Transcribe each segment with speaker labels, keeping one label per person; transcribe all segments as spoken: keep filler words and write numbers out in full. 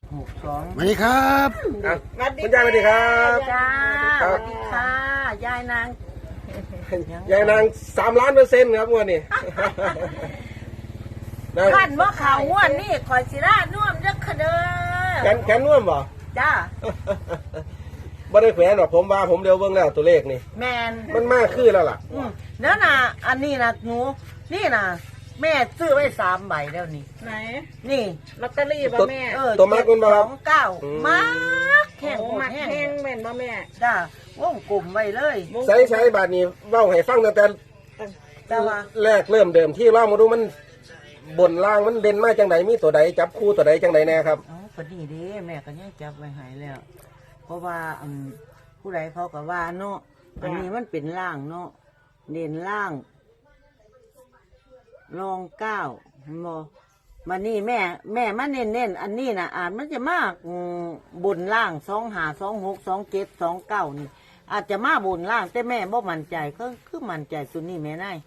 Speaker 1: หกสอง
Speaker 2: สวัสดีครับ
Speaker 3: อ่ะคุณยายสวัสดีครับ
Speaker 1: จ้า
Speaker 3: ค
Speaker 1: ส
Speaker 3: รับ
Speaker 1: วัสดีค่ะยายนาง
Speaker 3: ยายนางสามล้านเปอร์เซ็นต์ครับงวดนี้ นะ
Speaker 1: ขั้นว่าข่าวง่วนนี่คอยสิราน่วมเด้อค่ะเด้อ
Speaker 3: แขนแขนน่วมบ่
Speaker 1: จ้า
Speaker 3: บ่ได้แขวนหรอกผมว่าผมเดียวเบิ่งแล้วตัวเลขนี่
Speaker 1: แมน
Speaker 3: มันมากขึ้นแล้วล่ะ
Speaker 1: อืมแล้วน่ะอันนี้นะหนูนี่น่ะ แม่ซื้อไว้สามใบแล้วนี่
Speaker 4: ไหน
Speaker 1: นี่
Speaker 4: ลอตเตอรี่ป่ะแม่
Speaker 1: เออ
Speaker 3: ตัวมากคุณบ่ค
Speaker 1: ส
Speaker 3: รั
Speaker 1: อบ งเก้า
Speaker 3: อืม
Speaker 1: มากแข่ง
Speaker 4: โอ้
Speaker 1: โหด
Speaker 4: มัก
Speaker 1: แห้ง
Speaker 4: แห้งแม่นป่ะแม่
Speaker 1: จ้าวงกลุ่มไว้เลย
Speaker 3: ใช้ใช้บาทนี้เว้าให้ฟังตั้งแต่
Speaker 1: แต่ว่า
Speaker 3: แรกเริ่มเดิมที่ว่ามาดูมันบนล่างมันเด่นมาจังไดมีตัวใดจับคู่ตัวใดจังไดแน่ครับ
Speaker 1: อ๋อพอดีเด้แม่ก็ยังจับไว้ใหายแล้ว เพราะว่าอืมผู้ใดเขาก็ว่าเนาะอันนี้มันเป็นล่างเนาะเด่นล่างรองเก้าเห็นบ่มานี่แม่ แม่มาเน้นเน้นๆอันนี้นะอาจมันจะมากอืมบนล่างสองหาสองหกสองเจ็ดสองเก้านี่ อาจจะมาบนล่างแต่แม่บ่มั่นใจก็คือมั่นใจตัวนี้แม่นาย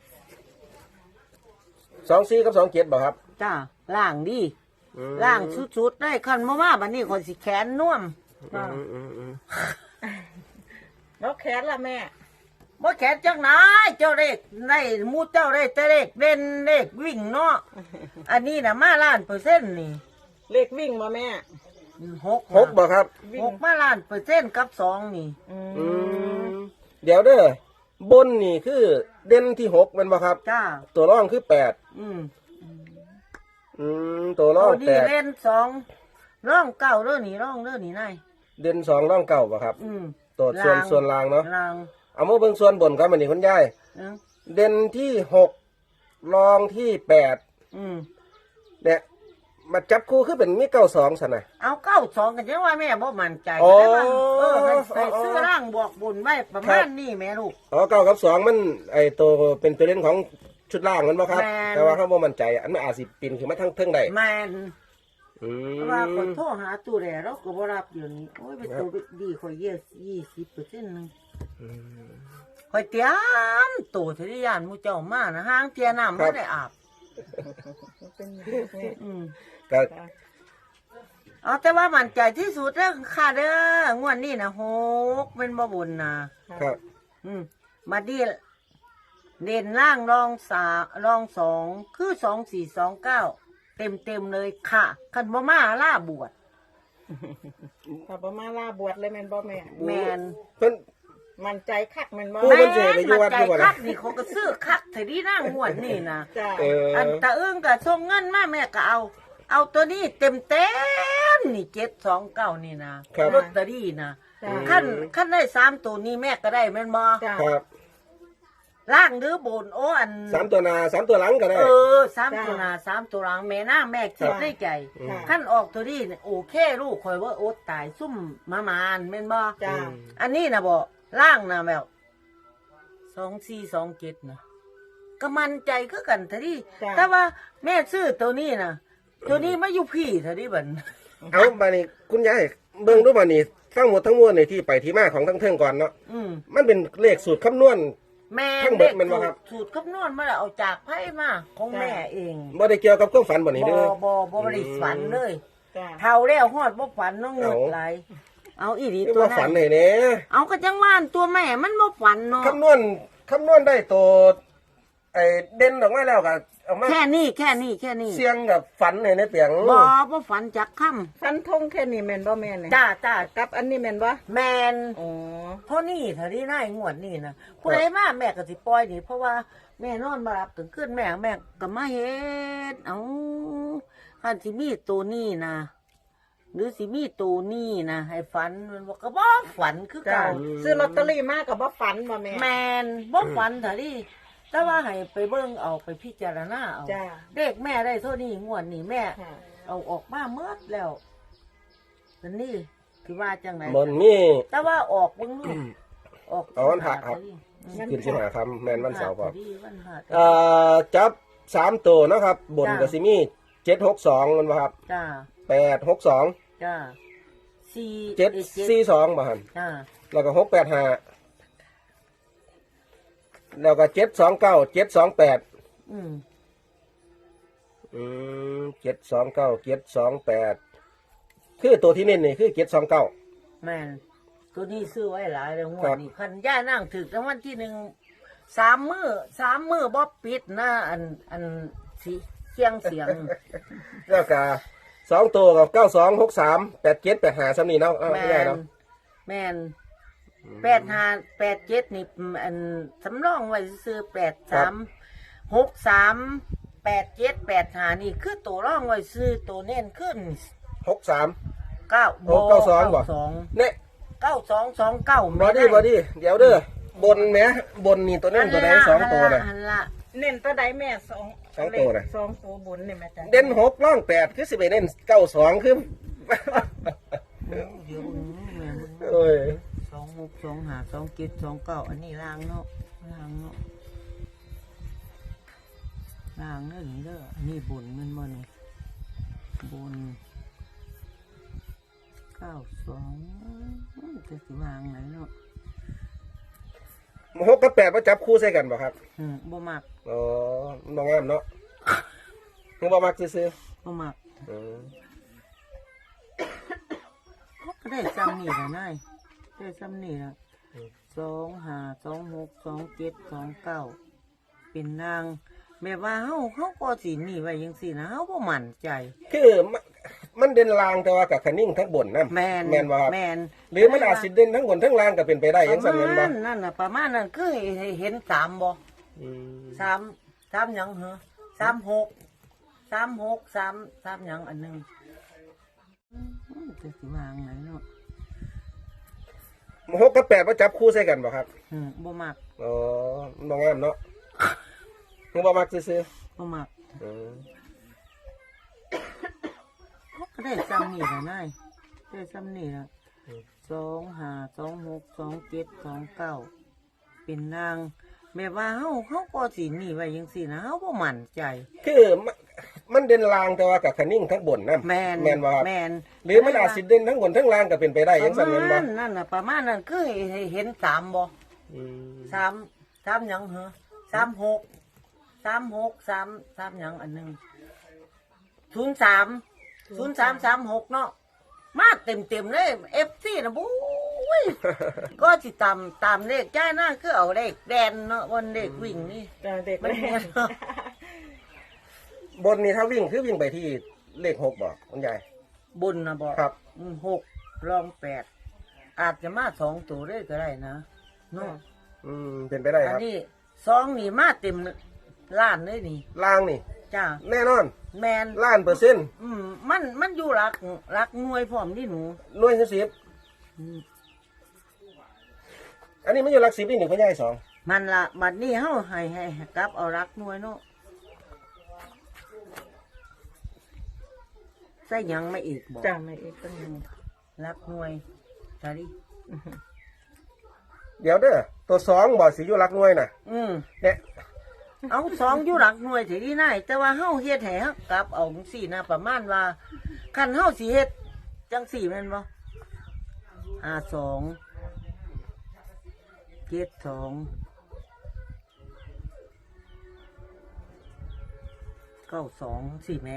Speaker 3: สองสี่กับสองเจ็ดบ่ครับ
Speaker 1: จ้าล่างดี
Speaker 3: อืม
Speaker 1: ล่างสุดๆได้คันมาว่าบัดนี้คนสิแขนน่วม
Speaker 3: อืมอืมอืม
Speaker 4: แล้วแคสล่ะแม่
Speaker 1: บ่แขนจังไหนเจ้าเลขได้หมูเจ้าได้แต่เลขเด่นเลขวิ่งเนาะ อันนี้นะมาล้านเปอร์เซ็นต์นี่
Speaker 4: เลขวิ่งป่ะแม่
Speaker 1: หก
Speaker 3: หกบ่ครับ
Speaker 1: หกมาล้านเปอร์เซ็นต์กับสองนี่
Speaker 4: อืม
Speaker 3: อืมเดี๋ยวเด้อบนนี่คือเด่นที่หกแมันบ่ครับ
Speaker 1: จ้า
Speaker 3: ตัวร่องคือแปด
Speaker 1: อืม
Speaker 3: อืมตัวร่
Speaker 1: ตั
Speaker 3: อ
Speaker 1: ว
Speaker 3: ง
Speaker 1: ดี
Speaker 3: แปด
Speaker 1: เล่นสองร่องเก้าเด้อนี่ร่องเด้อนี่นาย
Speaker 3: เด่นสองร่องเก่าบ่ครับ
Speaker 1: อืม
Speaker 3: ตัวส่วนส่วนล่างเนาะ
Speaker 1: ลาง
Speaker 3: เอามาเบิ่งส่วนบนครับอันนี้คุณยาย
Speaker 1: เอ้า
Speaker 3: เด่นที่หกรองที่แปด
Speaker 1: อืม
Speaker 3: เนี่ยมาจับคู่คือเป็นมีเก้าสองสันนะ
Speaker 1: เอาเก้าสองกันจังว่าแม่บ่มั่นใจ
Speaker 3: อ๋อ
Speaker 1: แต่ว่าเออให้ใส่
Speaker 3: อ๋อ
Speaker 1: ซื้อร่างบวกบุญไว้ประ
Speaker 3: ครั
Speaker 1: มาณ
Speaker 3: บ
Speaker 1: นี้แม่ลูก
Speaker 3: อ๋อเก้ากับสองมันไอตัวเป็นตัวเล่นของชุดล่างมันบ่ครับ
Speaker 1: แม่น
Speaker 3: แต่ว่าเขาบ่มั่นใจ อันมันอาจสิปีนขึ้นมาทั้งเทิงได้
Speaker 1: แม่น
Speaker 3: อื
Speaker 1: เพ
Speaker 3: ม
Speaker 1: ราะว่าคนโทรหาตู้แลเราก็บ่รับอยู่นี่โอ้ยเป็นตัวดีข่อยเยอะยี่สิบเปอร์เซ็นต์นึง
Speaker 3: อืม
Speaker 1: ข่อยเตรียมตัวทะยานหมู่เจ้ามานะห้างเทียน้ำบ่ได้อาบ
Speaker 4: เป็นอย่างนี้แม่
Speaker 1: อืม
Speaker 3: ก็
Speaker 1: เอาแต่ว่ามั่นใจที่สุดเด้อค่ะเด้องวดนี้นะหกเป็นบ่บุญนะครับ อืมมาดีเด่นล่างรองสารองสองคือสองสี่สองเก้าเต็มเต็มๆเลยค่ะคันบ่มาล่าบวช
Speaker 4: ถ้าประมาล่าบวชเลยแม่นบ่แม่
Speaker 1: แมน
Speaker 3: เพิ่น
Speaker 4: มั่นใจคักแม่นบ่
Speaker 3: โอ้
Speaker 1: แม
Speaker 3: มันสิไป
Speaker 1: น
Speaker 3: อยู่
Speaker 1: มา
Speaker 3: วัด
Speaker 1: ใจ
Speaker 3: อยู่บ่ล่ะ
Speaker 1: คักนี่เขาก็ซื้อคักแต่ที่นั่งหวดนี่นะ
Speaker 4: จ้า
Speaker 3: เออ
Speaker 1: อันตะเอื้งกับส่งเงินมาแม่ก็เอา เอาตัวนี้เต็มเต็มๆนี่เจ็ดสองเก้านี่นะครับ ลอตเตอรี่นะ
Speaker 4: จ้า
Speaker 1: ขั้นขั้นได้สามตัวนี้แม่ก็ได้แม่นบ่
Speaker 4: จ้า
Speaker 3: ครับ
Speaker 1: ล่างหรือบนโอ้อัน
Speaker 3: สามตัวหนาสามตัวหลังก็ได้
Speaker 1: เออสามตัวหน้าสามตัวหลังแม่น้าแม่คิดได้ใจ
Speaker 4: จ้า
Speaker 1: ขั้นออกตัวนี้เนี่ยโอเคลูกคอยว่าโอ๊ตตายซุ่มมามานแม่นบ่
Speaker 4: จ้า
Speaker 1: อันนี้นะบ่ล่างนะแบบสองสี่สองเจ็ดนะก็มันใจคือกันทะดิแต่ว่าแม่ซื้อตัวนี้นะตัวนี้มาอยู่พี่ทะดิบัน
Speaker 3: เอาบานี้คุณยายเบิ่งดูบานี้ทั้งหมดทั้งมวลในที่ไปที่มาของทั้งเทิงก่อนเนาะ
Speaker 1: อืม
Speaker 3: มันเป็นเลขสูตรคำนวณ
Speaker 1: แม่
Speaker 3: ทั้งเบิดแม่นบ่ครับ
Speaker 1: สูตรคำนวณมาแล้วเอาจากไพ่มาของแม่เอง
Speaker 3: บ่ได้เกี่ยวกับความฝันบ่นี่
Speaker 1: บ่
Speaker 3: เด้อ
Speaker 1: บ่บ่ได้ฝันเลย
Speaker 4: จ้า
Speaker 1: เท่าแล้วฮอดบ่ฝันน้องเงิด
Speaker 3: เอา
Speaker 1: ไหลายเอาอีหลี
Speaker 3: นี่
Speaker 1: ตัว
Speaker 3: ว่า
Speaker 1: นั้
Speaker 3: ฝัน
Speaker 1: น
Speaker 3: ให้แหน่
Speaker 1: เอาก็จังว่านตัวแม่มันบ่ฝันเนาะ
Speaker 3: คำนวณคำนวณได้ตัวไอ้เด่นออกมาแล้วก็เอามา
Speaker 1: แค่นี้แค่นี้แค่นี้
Speaker 3: เสียงกับฝันให้ในเปียง
Speaker 1: บ่บ่ฝันจักค่ำ
Speaker 4: ฟันธงแค่นี้แม่นบ่แม่เนี่ย
Speaker 1: จ้าจ้า
Speaker 4: กับอันนี้แม่นบ่
Speaker 1: แมน
Speaker 4: อ๋อ
Speaker 1: เพราะนี่เท่าที่นายงวดนี่นะผู้ใดมาแม่ก็สิปล่อยนี่เพราะว่าแม่นอนมารับถึงขึ้นแม่แม่ก็มาเฮ็ดเอาคันสิมีตัวนี้นะหรือสิมีตัวนี้นะให้ฝันมันบอกก็บ่ฝันคือ
Speaker 4: จ้า
Speaker 1: เก่า
Speaker 4: ซื้อลอตเตอรี่มาก็บ่ฝันบ่แม่
Speaker 1: แมนบ่ฝันเท่าที่แต่ว่าให้ไปเบิ่งเอาไปพิจารณาเอา
Speaker 4: จ้า
Speaker 1: เด็กแม่ได้เท่านี้งวดนี้แม่
Speaker 4: ค่ะ
Speaker 1: เอาออกมาเมื่อแล้วอันนี้คือว่าจังไหน
Speaker 3: มันมี
Speaker 1: แต่ว่าออกเบิ่งลูกออก
Speaker 3: เอาวันพระครับ
Speaker 1: อืม
Speaker 3: ขึ้นสิหาคำแม่นวันเสาร์ก่อน
Speaker 1: วันพระ
Speaker 3: เอ่อจับสามตัวเนาะครับ บน
Speaker 1: จ้ะ
Speaker 3: กับซิมีเจ็ดหกสองมันบ่ครับ
Speaker 1: จ้า
Speaker 3: แปดหกสอง
Speaker 1: จ้าสี่
Speaker 3: เจ็ด
Speaker 1: อ้ย
Speaker 3: สี่สองบ่ฮัน
Speaker 1: จ้า
Speaker 3: แล้วก็หกแปดห้าแล้วก็เจ็ดสองเก้าเจ็ดสองแปด
Speaker 1: อืม
Speaker 3: อืมเจ็ดสองเก้าเจ็ดสองแปดคือตัวที่เน้นนี่คือเจ็ดสองเก้า
Speaker 1: แม่นตัวนี้ซื้อไว้หลายเลยงว
Speaker 3: ครั
Speaker 1: ด
Speaker 3: บ
Speaker 1: นี้คันย่านั่งถึกรางวัลที่หนึ่งสามมือสามมือบ่ปิดนะอันอันสีเสียงเสียง
Speaker 3: แล้วก็สองตัวกับเก้าสองหกสามแปดเจ็ดแปดห้าซ้ำนี่เนาะเอา
Speaker 1: แม
Speaker 3: ไม่ได้
Speaker 1: น
Speaker 3: เนาะ
Speaker 1: แมนแปดห้าแปดเจ็ดนี่อันสำรองไว้ซื้อแปดสามหกสามแปดเจ็ดแปดห้านี่คือตัวร่องไว้ซื้อตัวเน้นขึ้น
Speaker 3: หกสาม
Speaker 1: เก้า
Speaker 3: โอ้เก้าสองบ่
Speaker 1: สอง
Speaker 3: เนี่ย
Speaker 1: เก้าสองสองเก้า
Speaker 3: บอดี้บอดี้เดี๋ยวเด้อบนแหมบนนี่ตัวเน้นตัวไหนสองตัวน่ะ
Speaker 1: หันละ
Speaker 4: เน้นตัวใดแม่สอง
Speaker 3: สองตัวน่ะ
Speaker 4: สองตัวบนนี่แม่จ้ะ
Speaker 3: เด่นหกล่องแปดคือสิบเอ็ดเน้นเก้าสองคือ
Speaker 1: เดี๋ยวเบิ่งแม่เบิ่ง
Speaker 3: โอ้ย
Speaker 1: สองหกสองห้าสองเจ็ดสองเก้าอันนี้ล่างเนาะล่างเนาะล่างเด้อนี่เด้ออันนี้บนแมันบ่นี่บนเก้าสองจะสิวางไหนเนาะ
Speaker 3: หกกับแปดมาจับคู่ใส่กันบ่ครับ
Speaker 1: อืมบ่มัก
Speaker 3: อ๋อมันบ่งามเนาะมึงบ่มักซื้อ
Speaker 1: บ่มัก
Speaker 3: ๆอืม
Speaker 1: ก็ได้ซ้ำนี่ละนายได้ซ้ำนี่ละสองห้าสองหกสองเจ็ดสองเก้าเป็นนางแม่ว่าเฮาเฮาก็สิหนี่ไว้จังซี่นะเฮาบ่มั่นใจ
Speaker 3: คือมันมันเด่นลางแต่ว่ากับคันนิ่งทั้งบนนะ
Speaker 1: แม่น
Speaker 3: แม่นบ่ครับ
Speaker 1: แม่น
Speaker 3: หรือมันอาจสิเด่นทั้งบนทั้งล่างก็เป็นไปได้
Speaker 1: ป
Speaker 3: อยั
Speaker 1: ระ
Speaker 3: งสั่น
Speaker 1: มา
Speaker 3: แม่นบ่
Speaker 1: ณนั่นน่ะประมาณนั้นคือเห็นสามบ่
Speaker 3: อืม
Speaker 1: สามสามหยังเหรอสามหกสามหกสามสามหยังอันหนึงอืมจะสิวางไหนเนาะ
Speaker 3: หกกับแปดมาจับคู่ใส่กันบ่ครับ
Speaker 1: อืมบ่มัก
Speaker 3: อ๋อมันบ่งามเนาะมึงบ่มักซื้อ
Speaker 1: บ่มัก
Speaker 3: ๆอืม
Speaker 1: ก็ได้ซ้ำนี่ละนายได้ซ้ำนี่ละสองห้าสองหกสองเจ็ดสองเก้าเป็นนางแม่ว่าเฮาเฮาก็สิหนี่ไว้จังซี่นะเฮาบ่มั่นใจ
Speaker 3: คือมันมันเด่นลางแต่ว่ากับคันนิ่งทั้งบนนะ
Speaker 1: แม่น
Speaker 3: แม่นบ่ครับ
Speaker 1: แม่น
Speaker 3: หรือมันอาจสิเด่นทั้งบนทั้งล่างก็เป็นไปได้
Speaker 1: ป
Speaker 3: อยั
Speaker 1: ระ
Speaker 3: งสั่น
Speaker 1: มา
Speaker 3: แม่นบ่
Speaker 1: ณนั่นน่ะประมาณนั้นคือเห็นสามบ่
Speaker 3: อืม
Speaker 1: สามสามหยังเหรอสามหกสามหกสามสามหยังอันหนึงศูนย์สามศูนย์สามสามหกเนาะมาเต็มเต็มๆเลยเอฟซีนะบุ้ย ก็สิตามตามเลขจ้าหน้าคือเอาเลขแดนเนาะวันเลขวิ่งนี่
Speaker 4: จ้ะเด็ก
Speaker 1: มัน
Speaker 4: แม่
Speaker 1: แม่นเนาะ
Speaker 3: บนนี่ถ้าวิ่งคือวิ่งไปที่เลขหกบ่คุณยาย
Speaker 1: บุญนะบอก
Speaker 3: ครับ
Speaker 1: อืมหกรองแปดอาจจะมาสองตัวเลยก็ได้นะเนาะ
Speaker 3: อืมเป็นไปได้
Speaker 1: อั
Speaker 3: คน รับ
Speaker 1: นี้สองนี่มาเต็มล้านเลยนี่
Speaker 3: ล่างนี่
Speaker 1: จ้า
Speaker 3: แน่นอน
Speaker 1: แมน
Speaker 3: ล้านเปอร์เซ็นต์
Speaker 1: อืมมันมันอยู่รักรักหน่วยพร้อมที่หนู
Speaker 3: หน่วยสิบ
Speaker 1: อืม
Speaker 3: อันนี้มันอยู่หลักสิบนี่หนึ่งคุณยายสอง
Speaker 1: มันละบัดนี้เฮาให้ให้ให้กลับเอารักหน่วยเนาะใส่หยังไม่อีกบอก
Speaker 4: จ้ะแม่อีกตั้งหนึ่ง
Speaker 1: รักหน่วยสาดิ
Speaker 3: เดี๋ยวเด้อตัวสองบ่สิอยู่หลักหน่วยน่ะ
Speaker 1: อืม
Speaker 3: เนี่ย
Speaker 1: เอาสองอยู่รักหน่วยสิที่ไหนแต่ว่าเฮาเฮ็ดให้เฮากลับเอาจังซี่นะประมาณว่าคันเฮาสิเฮ็ดจังสี่แม่นบ่ห้าสองเจ็ดสองเก้าสองสี่แม่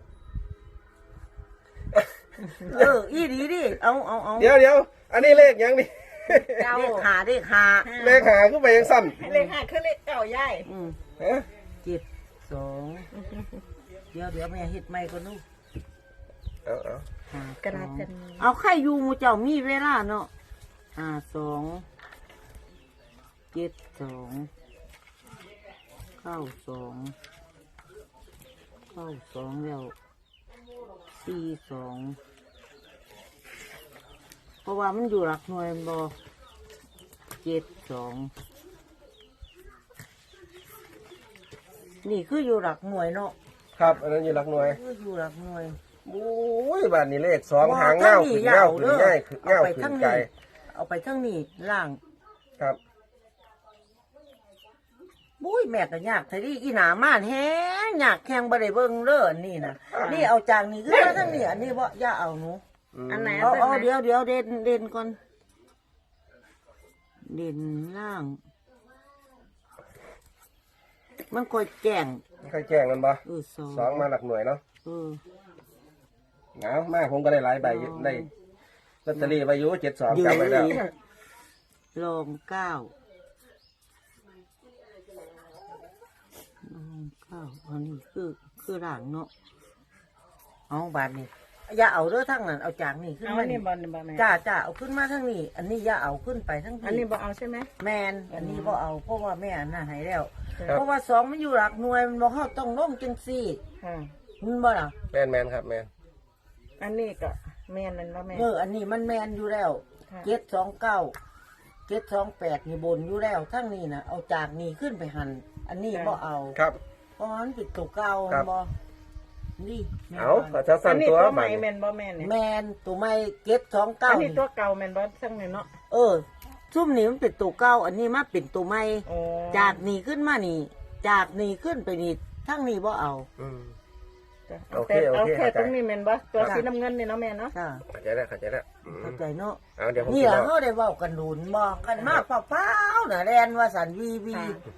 Speaker 1: เอออีดีดิเอาเอาเอา
Speaker 3: เดี๋ยวเดี๋ยวอันนี้เลขยังนี่
Speaker 4: เก้า
Speaker 1: เลขหาเลขหา
Speaker 3: เลขหาขึ้นไปยังสั้น
Speaker 4: เลขห้าคือเลขเก้าย่าย
Speaker 1: อืม
Speaker 3: ฮะ
Speaker 1: เจ็ดสองเดี๋ยวเดี๋ยวแม่เฮ็ดไม่ก็นู่น
Speaker 3: เอาเอา
Speaker 1: ห้าก
Speaker 4: ระดาษกัน
Speaker 1: เอาใครอยู่หมู่เจ้ามีเวลาเนาะห้าสองเจ็ดสองเก้าสองเก้าสองแล้วสี่สองเพราะว่ามันอยู่หลักหน่วยบ่เจ็ดสองนี่คืออยู่หลักหน่วยเนาะ
Speaker 3: ครับอันนั้นอยู่หลักหน่วย
Speaker 1: คืออยู่หลักหน่วย
Speaker 3: โอ้ยบ้านนี้เลขสองหางเงาขึ้นเงาขึ้นง่ายขึ้นเงาขึ้นไกล
Speaker 1: เอาไปทั้งนี้ล่าง
Speaker 3: ครับ
Speaker 1: บุ้ยแม่ก็ยากทีนี้อีหนาม่านแฮงยากแข่งบ่ได้เบิ่งเด้ออันนี่นะนี่เอาจากนี่คือมาทั้งนี้อันนี้บ่อย่าเอาหนู
Speaker 3: ม
Speaker 4: อันไหน
Speaker 1: เอา
Speaker 4: อัน
Speaker 1: เอา
Speaker 4: ไหน
Speaker 1: เดี๋ยวเดี๋ยวเด่นเด่นก่อนเด่นล่าง มันค่อยแจ้ง
Speaker 3: ใครแจ้งกันบ่
Speaker 1: เออสอง
Speaker 3: สองมาหลักหน่วยเนาะ
Speaker 1: เออ
Speaker 3: เอามาผมก็ได้หลายใบอยู่ได้ลอตเตอรี่ใบอยู่เจ็ดสองจำไว้แล้ว
Speaker 1: ลองเก้าลองเก้าอันนี้คือคือร่างเนาะเอาบาทนี่อย่าเอาเด้อทั้งนั้นเอาจากนี่ขึ้น
Speaker 4: เอา
Speaker 1: มา
Speaker 4: อันนี้
Speaker 1: นี่
Speaker 4: บอลบอลแม่
Speaker 1: จ้าจ้าเอาขึ้นมาทั้งนี้ อันนี้อย่าเอาขึ้นไปทั้ง
Speaker 4: อันนี้บอเอาใช่ไหม
Speaker 1: แมนอันนี้บ่เอาเพราะว่าแม่อันน่ะหายแล้ว
Speaker 3: ครับ
Speaker 1: เพราะว่าสองมันอยู่หลักหน่วยมันบ่เฮาต้องลงจังซี่
Speaker 4: ค่ะ
Speaker 1: มันบ่ล่ะ
Speaker 3: แมนแมนครับแมน
Speaker 4: อันนี้ก็แม่นนั่นว่าแม่
Speaker 1: เอออันนี้มันแมนอยู่แล้ว
Speaker 4: ค่ะ
Speaker 1: เจ็ดสองเก้าเจ็ดสองแปดนี่บนอยู่แล้วทั้งนี้นะเอาจากนี่ขึ้นไปหันอันนี้บ่เอา
Speaker 3: ครับ
Speaker 1: เพราะมันเป็นตัวเก่า
Speaker 3: ครับ
Speaker 1: บ่นี่แม่น
Speaker 3: เอา
Speaker 1: บ่
Speaker 3: ขอจะ
Speaker 4: อั
Speaker 3: สั่
Speaker 4: น
Speaker 3: น
Speaker 4: นี้
Speaker 3: ตัว
Speaker 4: ตัวให
Speaker 3: ให
Speaker 4: ม่
Speaker 3: ม่
Speaker 4: แม่นบ่แม่นเนี่ย
Speaker 1: แมนตัวไม่เจ็ดสองเก้า
Speaker 4: อันนี้ตัวเก่าแม่นบ่ทั้งนี้เนาะ
Speaker 1: เออซุ่มนี่มันเป็นตัวเก่าอันนี้มาเป็นตัวใหม่
Speaker 4: โอ้
Speaker 1: จากนี่ขึ้นมานี่ จากนี่ขึ้นไปนี่ทั้งนี้บ่เอา
Speaker 3: อืม
Speaker 4: จ้ะ
Speaker 3: โอเค
Speaker 4: แต่
Speaker 3: โอ
Speaker 4: เอา
Speaker 3: เค
Speaker 4: แค่
Speaker 3: เข้าใจ
Speaker 4: ตรงนี้แม่นบ่ตัว
Speaker 1: ครับ
Speaker 4: สีน้ำเงินนี่เนาะแม่เนาะ
Speaker 1: จ้า
Speaker 3: เข้าใจแล้วเข้าใจแล้วอืม
Speaker 1: เข้าใจเนาะ
Speaker 3: เอาเดี๋ยวผม
Speaker 1: นี่
Speaker 3: จะ
Speaker 1: ล่ะ
Speaker 3: บอก
Speaker 1: เฮาได้เว้ากันดุนบ่กันมาเปล่าๆน่ะแลนว่าสันวีวี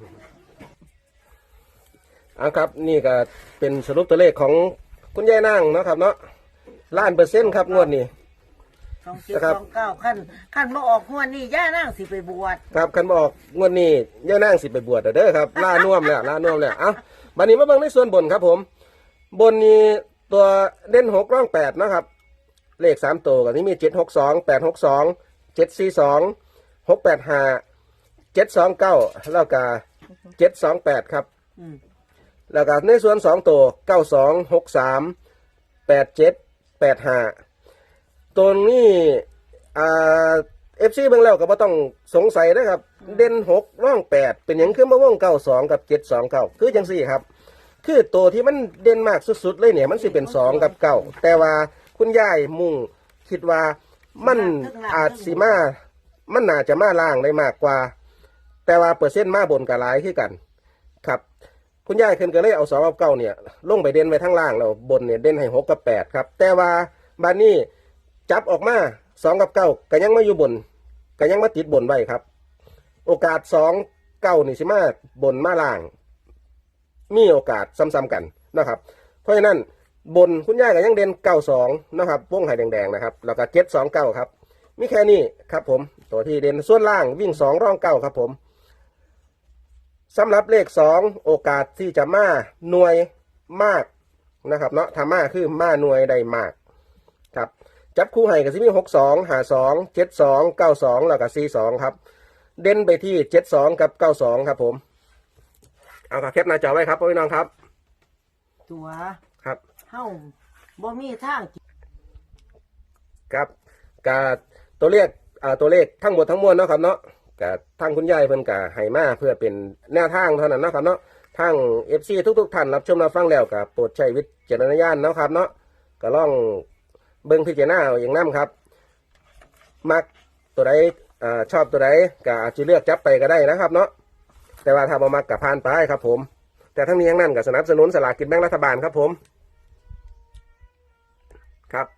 Speaker 3: เอาครับนี่ก็เป็นสรุปตัวเลขของคุณยายนางเนาะครับเนาะล้านเปอร์เซ็นต์ครับงวดนี้
Speaker 1: สองเจ็ด
Speaker 3: นะครับ
Speaker 1: สองเก้าขั้นขั้นบ่ออกหัวนี่ย่านั่งสิไปบวช
Speaker 3: ครับคันบอกงวดนี้ยายนางสิไปบวชเด้อครับล่าน่วมแล้วล่าน่วมแล้วเอ้าบัดนี้มาเบิ่งในส่วนบนครับผม บนนี้ตัวเด่นหกร่องแปดนะครับ เลขสามตัวก็ที่มีเจ็ดหกสองแปดหกสองเจ็ดสี่สองหกแปดห้าเจ็ดสองเก้าแล้วก็เจ็ดสองแปดครับ
Speaker 1: อืม
Speaker 3: แล้วก็ในส่วนสองตัวเก้าสองหกสามแปดเจ็ดแปดห้าตัวนี้อ่าเอฟซีเบิ่งแล้วก็บ่ต้องสงสัยนะครับ เด่นหกร่องแปดเป็นอย่างคือมาว่องเก้าสองกับเจ็ดสองเก้าคือจังสี่ครับ คือตัวที่มันเด่นมากสุดๆเลยเนี่ยมันสิเป็นสองกับเก้าแต่ว่าคุณยายมุ่งคิดว่ามันอาจสิมามันน่าจะมาล่างได้มากกว่า แต่ว่าเปอร์เซ็นต์มาบนกับหลายคือกันครับ คุณยายเพิ่นก็เลยเอาสองกับเก้าเนี่ยลงไปเด่นไว้ทั้งล่างแล้วบนเนี่ยเด่นให้หกกับแปดครับแต่ว่าบานนี้จับออกมาสองกับเก้าก็ยังมาอยู่บนก็ยังมาติดบนไว้ครับ โอกาสสองเก้านี่สิมาบนมาล่าง มีโอกาสซ้ำๆกันนะครับ เพราะฉะนั้นบนคุณยายก็ยังเด่นเก้าสองนะครับวงไห่แดงๆนะครับแล้วก็เจ็ดสองเก้าครับมีแค่นี้ครับผมตัวที่เด่นส่วนล่างวิ่งสองร่องเก้าครับผมสำหรับเลขสองโอกาสที่จะมาหน่วยมากนะครับเนาะถ้ามาคือมาหน่วยได้มากครับจับคู่ไห่กับซิมีหกสองหาสองเจ็ดสองเก้าสองแล้วก็สี่สองครับเด่นไปที่เจ็ดสองกับเก้าสองครับผมเอาครับแคปหน้าจอไว้ครับพี่น้องครับ
Speaker 1: ตัว
Speaker 3: ครับ
Speaker 1: เฮาบ่มีทาง
Speaker 3: ครับกาตัวเลขอ่าตัวเลขทั้งหมดทั้งมวลเนาะครับเนาะกาทางคุณยายเพิ่นกาให้มาเพื่อเป็นแนวทางเท่านั้นเนาะครับเนาะทาง เอฟ ซี ทุกๆท่านรับชมรับฟังแล้วก็โปรดใช้วิจารณญาณเนาะครับเนาะก็ลองเบิ่งพิจารณาเอาอย่างนั้นครับมักตัวใดอ่าชอบตัวใดก็อาจจะเลือกจับไปก็ได้นะครับเนาะแต่ว่าถ้าบ่มักก็ผ่านไปครับผมแต่ทั้งนี้ทั้งนั้นก็สนับสนุนสลากกินแบ่งรัฐบาลครับผมครับ